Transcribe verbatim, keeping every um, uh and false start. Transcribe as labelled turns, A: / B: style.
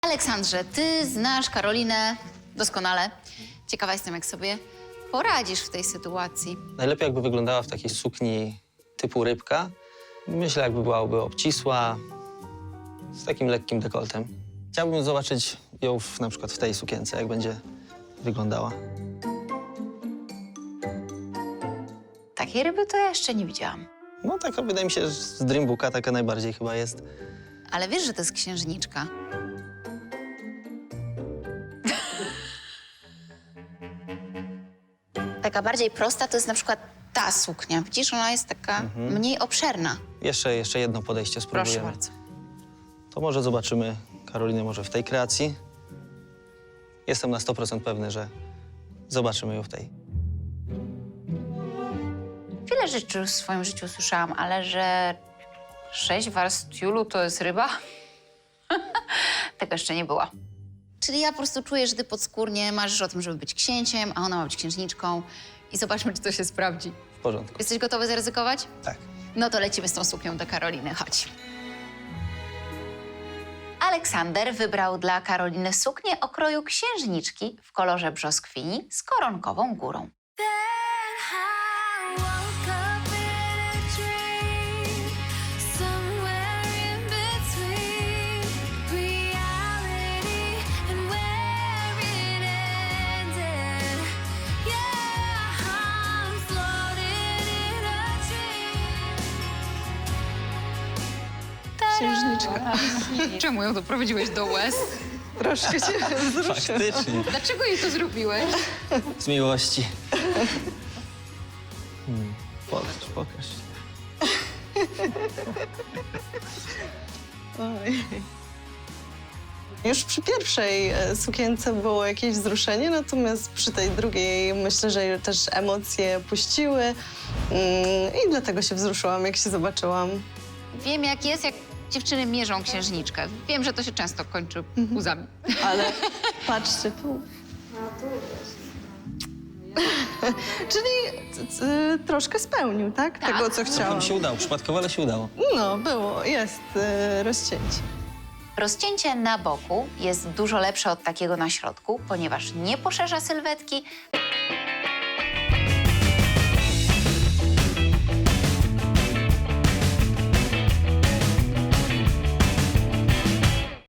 A: Aleksandrze, ty znasz Karolinę doskonale. Ciekawa jestem, jak sobie poradzisz w tej sytuacji.
B: Najlepiej jakby wyglądała w takiej sukni typu rybka. Myślę, jakby byłaby obcisła, z takim lekkim dekoltem. Chciałbym zobaczyć ją w, na przykład w tej sukience, jak będzie wyglądała.
A: Takiej ryby to ja jeszcze nie widziałam.
B: No taka, wydaje mi się, że z Dreambooka taka najbardziej chyba jest.
A: Ale wiesz, że to jest księżniczka. Taka bardziej prosta to jest na przykład ta suknia. Widzisz, ona jest taka
B: Mhm.
A: mniej obszerna.
B: Jeszcze, jeszcze jedno podejście spróbujemy.
A: Proszę bardzo.
B: To może zobaczymy Karolinę może w tej kreacji. Jestem na sto procent pewny, że zobaczymy ją w tej.
A: Wiele rzeczy już w swoim życiu słyszałam, ale że sześć warstw tiulu to jest ryba? Tego jeszcze nie było. Czyli ja po prostu czuję, że ty podskórnie marzysz o tym, żeby być księciem, a ona ma być księżniczką. I zobaczmy, czy to się sprawdzi.
B: W porządku.
A: Jesteś gotowy zaryzykować?
B: Tak.
A: No to lecimy z tą suknią do Karoliny. Chodź. Aleksander wybrał dla Karoliny suknię o kroju księżniczki w kolorze brzoskwini z koronkową górą.
C: Księżniczka.
A: Czemu ją doprowadziłeś do łez?
C: Troszkę się wzruszyłam.
B: Faktycznie.
A: Dlaczego jej to zrobiłeś?
B: Z miłości. Hmm. Pokaż, pokaż.
C: Oj. Już przy pierwszej e, sukience było jakieś wzruszenie, natomiast przy tej drugiej myślę, że też emocje puściły mm, i dlatego się wzruszyłam, jak się zobaczyłam.
A: Wiem, jak jest, jak dziewczyny mierzą księżniczkę. Wiem, że to się często kończy łzami.
C: Ale patrzcie tu. Czyli c- c- troszkę spełnił, tak?
A: Tak.
C: Tego, co
B: Trochę
C: chciałam.
B: mi się udało, przypadkowo, ale się udało.
C: No, było, jest e, rozcięcie.
A: Rozcięcie na boku jest dużo lepsze od takiego na środku, ponieważ nie poszerza sylwetki,